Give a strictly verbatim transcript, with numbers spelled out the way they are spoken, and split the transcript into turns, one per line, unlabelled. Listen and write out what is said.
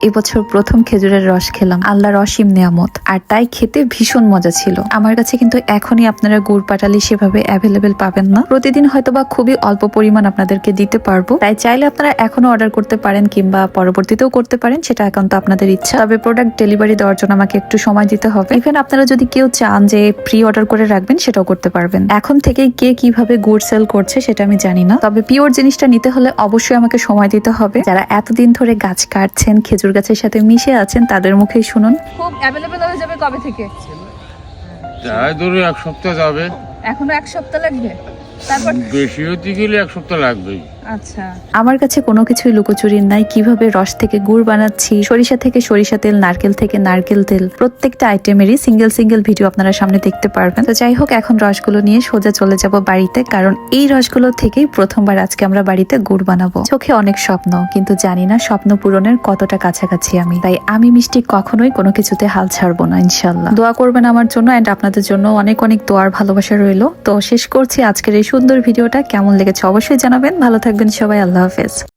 এবছর প্রথম খেজুরের রস খেলাম, আল্লাহর অসীম নিয়ামত, আর তাই খেতে ভীষণ মজা ছিল। আমার কাছে কিন্তু এখনই আপনারা গুড় পাটালি সেভাবে অ্যাভেলেবেল পাবেন না, প্রতিদিন হয়তোবা খুবই অল্প পরিমাণ আপনাদেরকে দিতে পারবো, তাই চাইলে আপনারা এখনো অর্ডার করতে পারেন কিংবা পরবর্তীতেও করতে পারেন, সেটা একান্ত আপনাদের ইচ্ছা। তবে প্রোডাক্ট ডেলিভারি দেওয়ার জন্য আমাকে একটু সময় দিতে হবে। ইভেন আপনারা যদি কেউ চান যে প্রি অর্ডার করে রাখবেন, সেটাও করতে পারবেন। এখন থেকেই কে কিভাবে গুড় সেল করছে সেটা আমি জানি না, তবে পিওর জিনিসটা নিতে হলে অবশ্যই আমাকে সময় দিতে হবে। যারা এতদিন ধরে গাছ কাটছেন, খেজুর গাছের সাথে মিশে আছেন, তাদের মুখেই শুনুন।
খুব অ্যাভেলেবল হয়ে যাবে কবে থেকে?
যাই ধরো এক সপ্তাহ যাবে,
এখনো এক সপ্তাহ লাগবে, তারপর
বেশি হতে গেলে এক সপ্তাহ লাগবেই।
আচ্ছা,
আমার কাছে কোনো কিছুই লুকোচুরির নাই। কিভাবে রস থেকে গুড় বানাচ্ছি, সরিষা থেকে সরিষা তেল, নারকেল থেকে নারকেল তেল, প্রত্যেকটা আইটেমেরই সিঙ্গেল সিঙ্গেল ভিডিও আপনারা সামনে দেখতে পারবেন। তো যাই হোক, এখন রসগুলো নিয়ে সোজা চলে যাব বাড়িতে, কারণ এই রসগুলো থেকেই প্রথমবার আজকে আমরা বাড়িতে গুড় বানাবো। চোখে অনেক স্বপ্ন, কিন্তু জানি না স্বপ্ন পূরণের কতটা কাছাকাছি আমি। তাই আমি মিষ্টি কখনোই কোনো কিছুতে হাল ছাড়বো না, ইনশাল্লাহ। দোয়া করবেন আমার জন্য, এন্ড আপনাদের জন্য অনেক অনেক দোয়ার ভালোবাসা রইলো। তো শেষ করছি আজকের এই সুন্দর ভিডিওটা। কেমন লেগেছে অবশ্যই জানাবেন। ভালো থাকবেন সবাই, আল্লাহ হাফেজ।